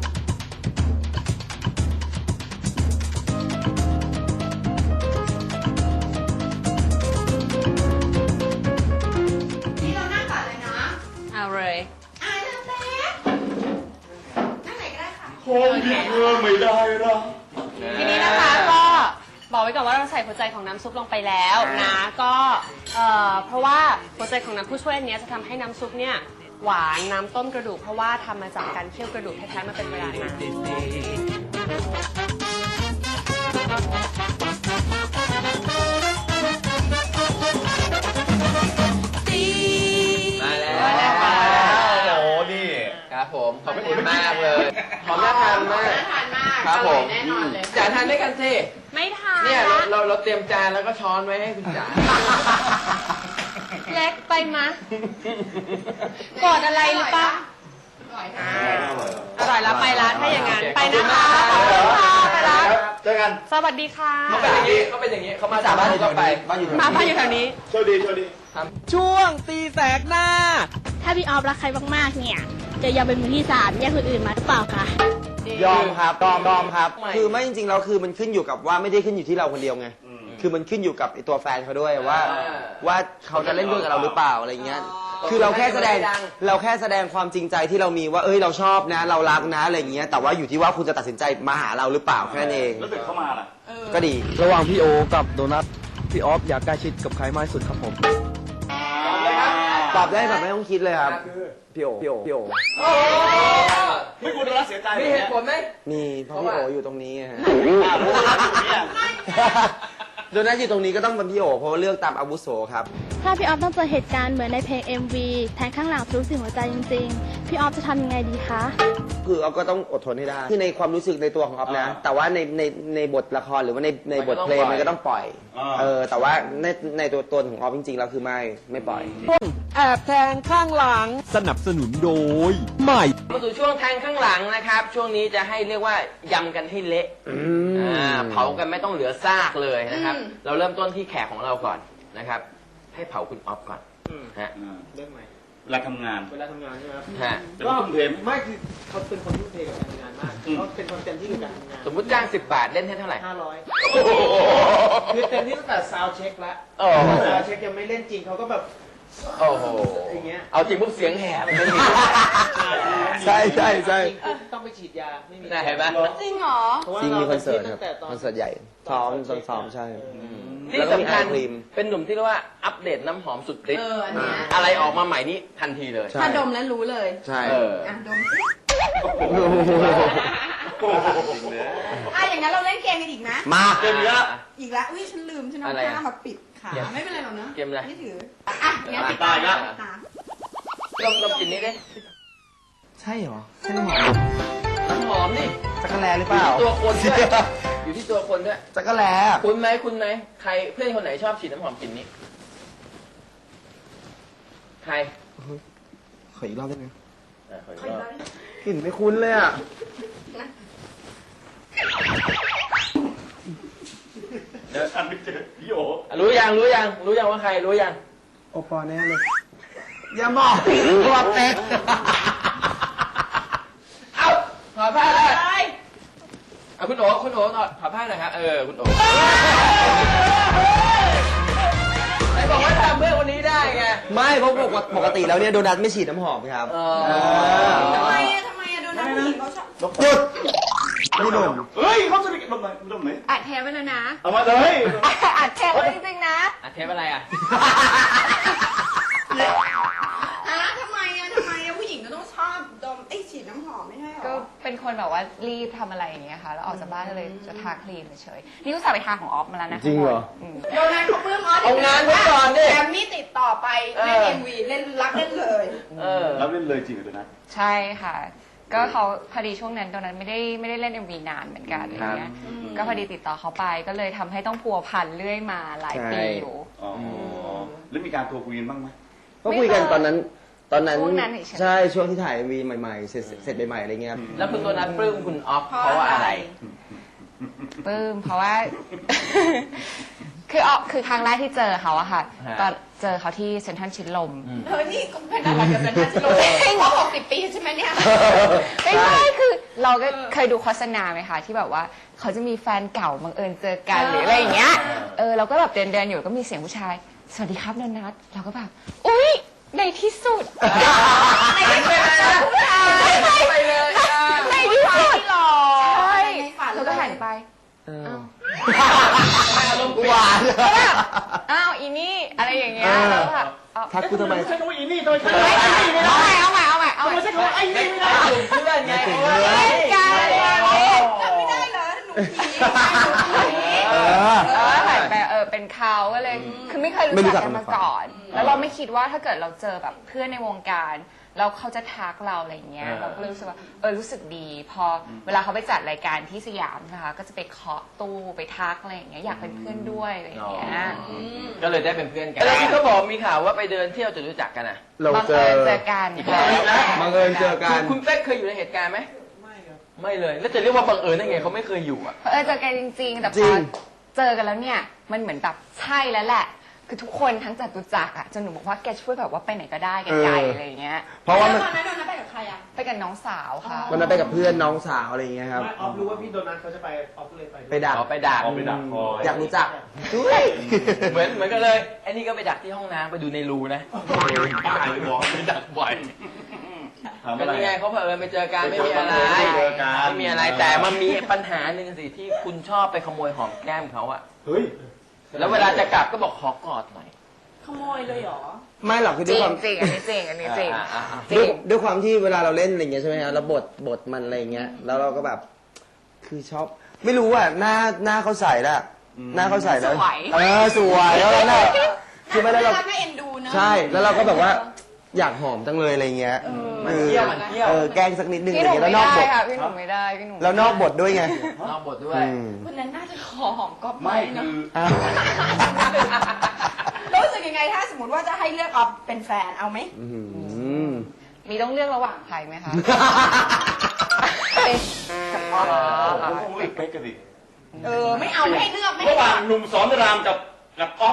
Speaker 2: นี่เรานั่งก่อนเลยนะ
Speaker 7: เอาเลย
Speaker 2: เริ่มเล็กนั่งไหนก็ได้ค่ะ
Speaker 3: ไม่ได้หรอก
Speaker 7: ทีนี้นะคะก็บอกไว้ก่อนว่าเราใส่หัวใจของน้ำซุปลงไปแล้วนะก็เพราะว่าหัวใจของน้ำผู้ช่วยอันเนี้ยจะทำให้น้ำซุปเนี่ยหวานน้ำต้มกระดูกเพราะว่าทำมาจากการเคี่ยวกระดูกแท้ๆมาเป็นเวลานาน
Speaker 1: มาแล้ว
Speaker 3: โอ้โหนี่
Speaker 1: ครับผมขอบคุณมากเลยหอมน่าทานมาก
Speaker 2: น่าทานมาก
Speaker 1: ครับผม
Speaker 2: แน่นอนเลย
Speaker 1: จ๋าทานด้วยกันสิ
Speaker 7: ไม่ทาน
Speaker 1: เนี่ยเราเตรียมจานแล้วก็ช้อนไว้ให้คุณจ๋า
Speaker 7: เล็กไปมะกอดอะไรหรือปะ
Speaker 2: อร่อยนะ
Speaker 7: อร่อยแล้วไปละถ้าอย่างนั้นไปนะคะขอบคุณค่ะไปละ
Speaker 3: เจอกัน
Speaker 7: สวัสดีค่ะ
Speaker 1: เขาเป็นอย่างนี้เขามาจากบ้านเราไป
Speaker 6: บ้านอยู่
Speaker 7: มาพักอยู่แถวนี้
Speaker 3: โชคดี
Speaker 8: ช่วงตีแสกหน้า
Speaker 9: ถ้าพี่ออฟรักใครมากๆเนี่ย
Speaker 8: จะยอมเป็นมือที่สามแยกคนอื่นมาหรือเปล่าคะ
Speaker 6: ยอมครับยอมครับ คือไม่จริงๆแล้วคือมันขึ้นอยู่กับว่าไม่ได้ขึ้นอยู่ที่เราคนเดียวไง คือมันขึ้นอยู่กับไอตัวแฟนเขาด้วยว่าเขาจะเล่นด้วยกับเราหรือเปล่าอะไรเงี้ย คือเราแค่แสดงความจริงใจที่เรามีว่าเราชอบนะเรารักนะอะไรเงี้ย แต่ว่าอยู่ที่ว่าคุณจะตัดสินใจมาหาเราหรือเปล่าแค่นั้นเอง
Speaker 3: แล้วเด็กเข้ามาล่ะ
Speaker 6: ก็ดี
Speaker 4: ระหว่างพี่โอกับโดนัทพี่ออฟอยากใกล้ชิดกับใครมากที่สุดครับผม
Speaker 6: ตอบได้แบบไม่ต้องคิดเลยครับ พี่โอ
Speaker 3: ไม่คุณรักเสียใจ
Speaker 1: มีเหตุผลไหม
Speaker 6: มีเพราะพี่โออยู่ตรงนี้ไงฮะ
Speaker 3: รู้ว่าอยู่เนี่ย
Speaker 6: โดนัทอยู่ตรงนี้ก็ต้องเป็นพี่โอเพราะว่าเลือกตามอาวุโสครับ
Speaker 8: ถ้าพี่ออฟต้องเจอเหตุการณ์เหมือนในเพลง MV แทงข้างหลังทะลุถึงหัวใจจริงๆ พี่ออฟจะทำยังไงดีคะ
Speaker 6: คือออฟก็ต้องอดทนให้ได้คือในความรู้สึกในตัวของออฟนะ แต่ว่าในบทละครหรือว่าในบทเพลงมันก็ต้องปล่อย แต่ว่าในตัวตนของออฟจริงๆแล้วคือไม่ปล่อย
Speaker 4: แอบแทงข้างหลัง สนับสนุนโดยใหม่
Speaker 1: มาสู่ช่วงแทงข้างหลังนะครับ ช่วงนี้จะให้เรียกว่ายำกันให้เละเผากันไม่ต้องเหลือซากเลยนะครับ เราเริ่มต้นที่แขกของเราก่อนนะครับ ให้เผาคุณออฟก่อนฮะ
Speaker 5: เรื่องใหม่
Speaker 3: เวลาทำงาน
Speaker 5: เวลาทำงานใช่ไหมครับ
Speaker 1: ฮะ
Speaker 3: แต่ว่าทุ่มเทไหม
Speaker 5: ไม่คือเขาเป็นคนทุ่มเทกับการทำงานมากเขาเป็นคนเต็มที่กับการทำงาน
Speaker 1: สมมุติจ้าง10 บาทเล่นให้เท่าไหร่
Speaker 5: 500คือเต็มที่ตั้งแต่ซาวเช็คแล้ว
Speaker 1: โอ้โห
Speaker 5: ซาวเช็คยังไม่เล่นจริงเขาก็แบบ
Speaker 1: โอ้โห
Speaker 5: อย่างเงี้ย
Speaker 1: เอาจริงปุ๊บเสียงแหบไม่มี
Speaker 6: ใช่
Speaker 5: ต้องไปฉีดยาไม่มี
Speaker 1: น่าเห็นไหม
Speaker 2: จริงเหรอ
Speaker 5: เพราะว่า
Speaker 6: จริงมีคอนเสิร์ต
Speaker 5: า
Speaker 6: ครับ
Speaker 5: ตั้งแต่ต
Speaker 6: คอนเสิร์ตใหญ่ซ้อมใช่
Speaker 1: ที่สำคัญ
Speaker 6: แล้วก็มีไอศกรีม
Speaker 1: เป็นหนุ่มที่เรียกว่าอัปเดตน้ำหอมสุดฤทธิ์
Speaker 2: อันเนี้ย
Speaker 1: อะไรออกมาใหม่นี่ทันทีเลย
Speaker 6: ใช่
Speaker 2: ถ้าดมแล้วรู้เลย
Speaker 6: ใช่
Speaker 1: เออ
Speaker 2: อ่ะดมสิอย่างนั้นเราเล่นเกมกันอีกนะ
Speaker 6: มา
Speaker 3: เกมเยอะ
Speaker 2: อีกแล้วอุ้ยฉันลืมฉันเอา
Speaker 1: อะไรอะ
Speaker 2: ผ้ามาปิดขาไม่เป็นไรหรอกเนอะ
Speaker 1: เกมอะไร
Speaker 2: ไม่ถืออ่ะงั้นปิด
Speaker 3: ตายละ
Speaker 2: ตา
Speaker 1: ลองกินนี้ดิ
Speaker 6: ใช่เหรอใช่หรอ
Speaker 1: น้ำหอมนี่
Speaker 6: จักรแลหรือ
Speaker 1: อ
Speaker 6: เปล่า
Speaker 1: ยู่ที่ตัวคนด้วย อยู่ที่ตัวคนด้วย
Speaker 6: จักรแล
Speaker 1: คุณไหมใครเพื่อนคนไหนชอบฉีดน้ำหอมกลิ่นนี้ ใคร
Speaker 6: ขออีกรอบได้ไหม
Speaker 1: ขออีกรอบ
Speaker 6: กลิ่นไม่คุ้นเลยอ่ะ
Speaker 3: อันไม่เจอพี่โอ
Speaker 1: รู้ยังว่าใครรู้ยัง
Speaker 6: โอปอแน่เลย อย่าบอกว่าเป็ด
Speaker 1: เอ้าถอดผ้าเลยเอาคุณโอ๋ถอดผ้าหน่อยครับคุณโอ๋ไหนบอกว่าทำเพื่อนคนนี้ได้ไง
Speaker 6: ไม่เพราะปกติแล้วเนี่ยโดนัทไม่ฉีดน้ำหอมครับ
Speaker 2: ทำไมอะโดนน้ำผู้หญิงเขาชอบ
Speaker 6: หยุดนี่หนุ่ม
Speaker 3: เฮ้ยเขาสนิทกันตรงไหนตรงไหน
Speaker 2: อัดเทปไว้แล้วนะ
Speaker 3: เอามาเลย
Speaker 2: อัดเทปไว้จริงๆนะ
Speaker 1: อ่ะเทปอะไรอ่ะ
Speaker 2: ทำไมอะผู้หญิงก็ต้องชอบดมฉีดน้ำหอมไม่ใช่หรอ
Speaker 9: ก็เป็นคนแบบว่ารีบทำอะไรอย่างเงี้ยค่ะ แล้วออกจากบ้านก็เลยจะทาครีมเฉยๆนี่ก็สั่งไปทาของออฟมาแล้วนะ
Speaker 6: จริงเหรอ
Speaker 2: โดนัทเขาปลื้มออส
Speaker 1: เอางานไว้ก่อนดิ
Speaker 2: แกมมี่ติดต่อไปเล่น MV เล่นรักเล่นเลย
Speaker 3: รับเล่นเลยจริงเหรอตัวนั้น
Speaker 9: ใช่ค่ะ ก็เขาพอดีช่วงนั้นตอนนั้นไม่ได้เล่น MV นานเหมือนกันอะไรเงี้ย ก็พอดีติดต่อเขาไปก็เลยทำให้ต้องพัวพันเรื่อยมาหลายปีอยู่
Speaker 3: อ๋อแล้วมีการโทรคุยกันบ้างไหม
Speaker 6: ก็คุยกันตอนนั้น
Speaker 9: ช่วงนั้นเฉยๆ
Speaker 6: ใช่ช่วงที่ถ่ายวีใหม่ๆเสร็จใหม่ๆอะไรเงี้ยครับ
Speaker 1: แล้วคุณตัวนั้นปลื้มคุณออฟเพราะว่าอะไร
Speaker 9: ปลื้มเพราะว่า คือครั้งแรกที่เจอเขาอะค่ะ
Speaker 1: ฮะ
Speaker 9: ตอนเจอเขาที่เซ็นทรัลชิดลม
Speaker 2: นี่ก็เป็นอะไรกันเป็นท่าชิโร่เพราะ60 ปีใช่ไหมเนี่ย
Speaker 9: ไม่ใช่คือเราก็เคยดูโฆษณาไหมคะที่แบบว่าเขาจะมีแฟนเก่าบังเอิญเจอกันหรืออะไรอย่างเงี้ยเราก็แบบเดินอยู่ก็มีเสียงผู้ชายสวัสดีครับโดนัทเราก็แบบอุ๊ยในที่สุดในที่สุด
Speaker 1: ไปเลย
Speaker 9: ในที่สุด
Speaker 2: หรอ
Speaker 9: ใช่
Speaker 2: ในฝัน
Speaker 9: เราก็หันไป
Speaker 6: หวาน
Speaker 9: อ้าวอีนี่อะไรอย่างเงี้ยแล้วแบบ
Speaker 6: ทักกูทำไม
Speaker 3: ใช้คำว่าอีนี่ทำไมใช้คำ
Speaker 9: เอา
Speaker 3: ว่าอีนี่ไม่ได้
Speaker 9: ใหม่
Speaker 3: ทำไมใช้คำว่าไอ้นี่ไม่ได้
Speaker 1: กลุ่มเพื่อนไง
Speaker 9: ไม่ได้เหรอหนูหันไปเป็นเขาก็เลยคือไม่เคยรู้จักกันมาก่อน แล้วเราไม่คิดว่าถ้าเกิดเราเจอแบบเพื่อนในวงการแล้วเขาจะทักเราอะไรเงี้ยเราก็เลยรู้สึกว่ารู้สึกดี พอเวลาเขาไปจัดรายการที่สยามนะคะก็จะไปเคาะตู้ไปทักอะไรอย่างเงี้ยอยากเป็นเพื่อนด้วยอะไรอย่างเงี้ย
Speaker 1: ก็เลยได้เป็นเพื่อนกันแล้วที่เขาบอกมีข่าวว่าไปเดินเที่ยวจนรู้จักกันอ่ะ
Speaker 9: บังเอิญเจอกัน
Speaker 6: บังเอิญเจอกัน
Speaker 1: คุณเป๊กเคยอยู่ในเหตุการณ์ไหม
Speaker 5: ไม่ครับ
Speaker 1: ไม่เลย แล้วจะเรียกว่าบังเอิญได้ไงเขาไม่เคยอยู่อ่ะ
Speaker 9: เจอกันจริงๆแต่พ
Speaker 6: จริ
Speaker 9: อง เจอกันแล้วเนี่ยมันเหมือนแบบใช่แล้วแหละคือทุกคนทั้งจตุจักรอ่ะจนหนูบอกว่าแกช่วยแบบว่าไปไหนก็ได้ไกลๆอะไรอย่างเงี้ย
Speaker 6: เพราะว่ามัน
Speaker 2: ตอนนั้นโดนนัดไปกับใครอะ
Speaker 9: ไปกับน้องสาวค่ะ
Speaker 6: วันนั้นไปกับเพื่อนน้องสาวอะไรอย่างเงี้ยครับ
Speaker 5: ออฟรู้ว่าพี่โดนัทเขาจะไปออฟก็เลยไปด้วย
Speaker 6: ไปดัก
Speaker 1: เอาไปดัก
Speaker 3: เอาไปดักคอย
Speaker 6: อยากรู้จัก
Speaker 1: เหมือนกันเลยไอ้นี่ก็ไปดักที่ห้องน้ำไปดูในรูนะ
Speaker 3: ป้าเลยบอกไปดักบ่อยถาม
Speaker 1: ก็
Speaker 3: อะไร
Speaker 1: นี่ไงเขาเผอิญไปเจอกันไม่มีอะไร
Speaker 3: ไม่เจอกัน
Speaker 1: ไม่มีอะไรแต่มันมีปัญหาหนึ่งสิที่คุณชอบไปขโมยหอมแก้มเขาอะ
Speaker 3: เฮ้ย
Speaker 1: แล้วเวลาจะกลับก็บอกขอกอดหน่อย
Speaker 2: ขโมยเลยเหรอ
Speaker 6: ไม่หรอกคือ
Speaker 9: จ
Speaker 6: ด้ว
Speaker 9: ริ
Speaker 6: ย
Speaker 9: ง
Speaker 6: ความ
Speaker 9: จริงอันนี้จริงอันนี้จริง จริ
Speaker 6: ด้วย
Speaker 9: ง
Speaker 6: ด้วยความที่เวลาเราเล่นอะไรเงี้ยใช่ไหมฮะแล้วบทมันอะไรเงี้ยแล้วเราก็แบบคือชอบไม่รู้อ่ะหน้าเขาใส่ละหน้าเขาใส่แล้ว
Speaker 9: สวย
Speaker 6: สวยแล้วเราเนี่ยคือไม่ได้เรา
Speaker 2: น่ารักน่าเอ็นดูเนอะ
Speaker 6: ใช่แล้วเราก็แบบว่าอยากหอมจังเลยอะไรเงี้ย
Speaker 1: มันเที่ยวมันเที่ยว
Speaker 6: แกล้งสักนิดนึง
Speaker 9: พี่
Speaker 6: อะ
Speaker 9: ห
Speaker 6: ไร
Speaker 9: นุ่ม
Speaker 6: เงี้ย
Speaker 9: ไม่
Speaker 6: แล้วนอกบท
Speaker 9: ได้ค่ะพี่หนุ่มไม่ได้พี่หนุ่ม
Speaker 6: แล้วนอกบทด้วยไง
Speaker 1: นอกบทด้วย
Speaker 2: วันนั้นน่าจะขอหอมก๊อฟ
Speaker 3: ไม่
Speaker 2: เนอะ
Speaker 3: คือ
Speaker 6: อ้าว
Speaker 2: รู้สึกยังไงถ้าสมมติว่าจะให้เลือกออฟเป็นแฟนเอาไหม
Speaker 6: อื้อหือ
Speaker 9: มีต้องเลือกระหว่างใครไหมคะ
Speaker 3: ผมคงเลือกเป๊กกันดิ
Speaker 2: ไม่เอาไม่ให้เลือกไม่
Speaker 3: ระ
Speaker 2: ให้
Speaker 3: ห
Speaker 2: เลื
Speaker 3: ว่า
Speaker 2: อง ก
Speaker 3: หนุ่มสอนรามกับอ๊อฟ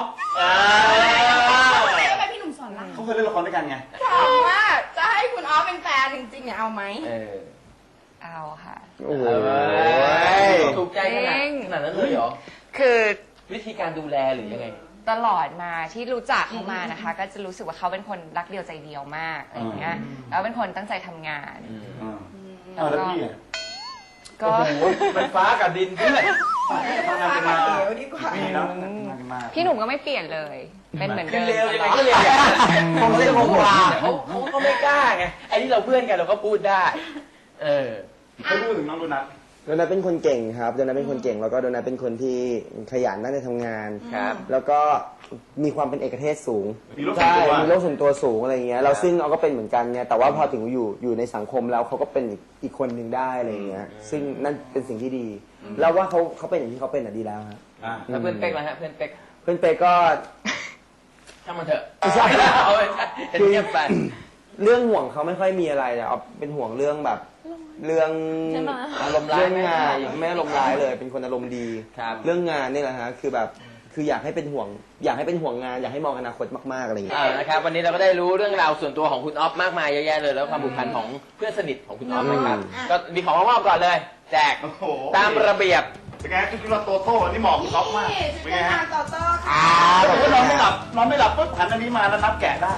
Speaker 2: ไม่ไปพี่หนุ่มสอนราม
Speaker 3: เขาเคยเล่นละครด้วยกันไง
Speaker 2: ถามว่าจะให้คุณออฟเป็นแฟนจริงๆเนี่ยเอาไหม
Speaker 9: เอาค่ะ
Speaker 6: โอ้โห
Speaker 1: ถูกใจขนาดนั้นเลยเหรอ
Speaker 9: คือ
Speaker 1: วิธีการดูแลหรือยังไง
Speaker 9: ตลอดมาที่รู้จักเขามานะคะ ก็จะรู้สึกว่าเขาเป็นคนรักเดียวใจเดียวมากอะไรอย่างเงี้ยแล้วเป็นคนตั้งใจทำงาน
Speaker 3: เอาแล้วพี่อะ
Speaker 9: ก็
Speaker 1: มันฟ้ากับดินเพื่อน
Speaker 3: ทำงานกันมา
Speaker 2: เดี๋ยวดีกว่า
Speaker 3: ปีแล้วทำงานกันมา
Speaker 9: พี่หนุ่มก็ไม่เปลี่ยนเลย เป็นเหมือน
Speaker 1: คือ
Speaker 9: เดิม
Speaker 1: เร็วยังไงก็เร็วผมเรียกผมว่าเขาก็ไม่กล้าไงไอ้ที่เราเพื่อนกันเราก็พูดได้
Speaker 3: เขาพูดถึงน้องโดนัท
Speaker 6: โดนัทเป็นคนเก่งครับโดนัทเป็นคนเก่งแล้วก็โดนัทเป็นคนที่ขยันตั้งใจทำงาน
Speaker 1: ครับ
Speaker 6: แล้วก็มีความเป็นเอกเทศสูง
Speaker 3: มีโลกส่วน
Speaker 6: ใช่
Speaker 3: ตัว
Speaker 6: มีโลกส่วนตัวสูงอะไรอย่างเงี้ยเราซึ่งเราก็เป็นเหมือนกันเนี่ยแต่ว่าพอถึงอยู่ในสังคมแล้วเขาก็เป็นอีกคนหนึ่งได้อะไรอย่างเงี้ยซึ่งนั่นเป็นสิ่งที่ดีแล้วว่าเขาเป็นอย่างที่เขาเป็นอ่ะดีแล้วครับ
Speaker 1: แล้วเพื่อนเป๊กล่ะฮะเพื่อนเป๊ก
Speaker 6: เพื่อนเป๊กก็
Speaker 1: ช่างมันเถอะ
Speaker 6: ไม่ใช่
Speaker 1: เอาไปเงียบไป
Speaker 6: เรื่องห่วงเขาไม่ค่อยมีอะไรแต่เอาเป็นห่วงเรื่องแบบเรื่อง
Speaker 1: อารมณ์ร้าย
Speaker 6: เรื่อง
Speaker 1: ไหม
Speaker 6: งานไม่อารมณ์ร้ายเลย เป็นคนอารมณ์ดี
Speaker 1: ครับ
Speaker 6: เรื่องงานนี่แหละฮะคือแบบคืออยากให้เป็นห่วงงานอยากให้มองอนาคตมากๆอะไรอย่างเงี้ย
Speaker 1: นะครับวันนี้เราก็ได้รู้เรื่องราวส่วนตัวของคุณออฟมากมายเยอะแยะเลยแล้วความผูกพันของเพื่อนสนิทของคุณออฟนะครับก็มีของมามอบก่อนเลย แจก
Speaker 3: โอ้โห
Speaker 1: ตามระเบียบ
Speaker 3: เป็นไงคือเราโตโต้นี่เหมาะกับเขามาก
Speaker 2: นี่
Speaker 3: เป็น
Speaker 2: จะ
Speaker 3: ไง
Speaker 2: เป็น
Speaker 3: ฮะ
Speaker 2: ทางต่อโต้ค่ะ
Speaker 3: สมมตินอนไม่หลับปุ๊บหันอันนี้มาแล้วนับแกะได้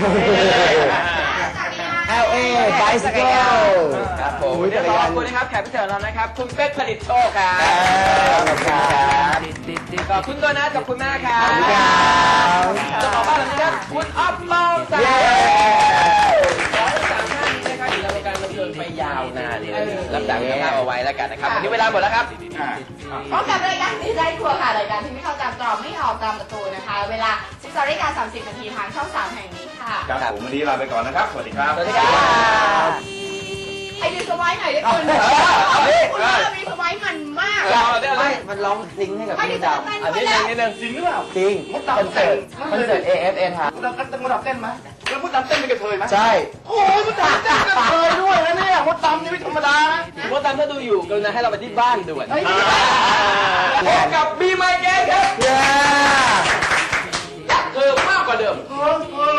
Speaker 2: จากนี้
Speaker 6: LA Bicycle
Speaker 1: ครับผม
Speaker 6: อุ๊ย
Speaker 1: เดี๋ยวขอขอบคุณนะครับแขกพิเศษของเรานะครับ คุณเป๊กผลิตโชคครับ
Speaker 6: ขอบคุณครับ
Speaker 1: ขอบคุณตัวนะขอบคุณมากครับ
Speaker 6: ขอบคุณครับ
Speaker 1: เจ้าของบ้านหลังนี้ครับคุณอ๊อฟมองสา
Speaker 6: เย้
Speaker 1: ขอทั้งสามท่านนะครับอยู่ในวงการบันเทิงไปยาวนานเลยรับจากคุณภาพเอาไว้แล้วกันนะครับวันนี้เวลาหมดแล้วครับ
Speaker 2: พบกับรายการดีใจทัวร์ค่ะรายการที่ไม่เข้าตามตรอกไม่ออกตามประตูนะคะ เวลา 12:30 นาทีทางช่อง 3 แห่งนี้ค่ะ
Speaker 3: ครับผมวันนี้ลาไปก่อนนะครับ สวัสดีครับ
Speaker 1: สวัสดีครับ
Speaker 2: ไอ้ดูสไวายหน่อยได้คุณ
Speaker 1: เอาดิ
Speaker 2: คุณว่ามีสไวายมันมาก
Speaker 6: ไม่มันร้องซิงค์ให้กับ
Speaker 2: ไม่ได้
Speaker 6: พี่
Speaker 2: จะ
Speaker 6: ดาว
Speaker 2: เต้น
Speaker 1: อัน
Speaker 2: ไป
Speaker 1: นี้ห
Speaker 2: แล้
Speaker 1: นึ่
Speaker 2: ว
Speaker 1: งนิดนึง
Speaker 3: จริงหรือเปล่า
Speaker 6: จริง
Speaker 3: มดดำเต้น
Speaker 6: คอนเสิร์ต AFN ครับ
Speaker 3: มดดำเต้นไหมแล้วมดดำเต้นเป็นกระเทยไหม
Speaker 6: ใช่
Speaker 3: โอ้ยมดดำเต้นกระเทยด้วยนะเนี่ยมดดำนี่ไม่ธรรมดานะ
Speaker 1: ว่าตามถ้าดูอยู่กรุณาให้เราไปที่บ้านด่วน
Speaker 3: เฮ้ย
Speaker 1: พบกับบีไมเกนครับ
Speaker 6: เย้
Speaker 1: อยากเธอมากกว่าเดิม
Speaker 3: เฮ้ย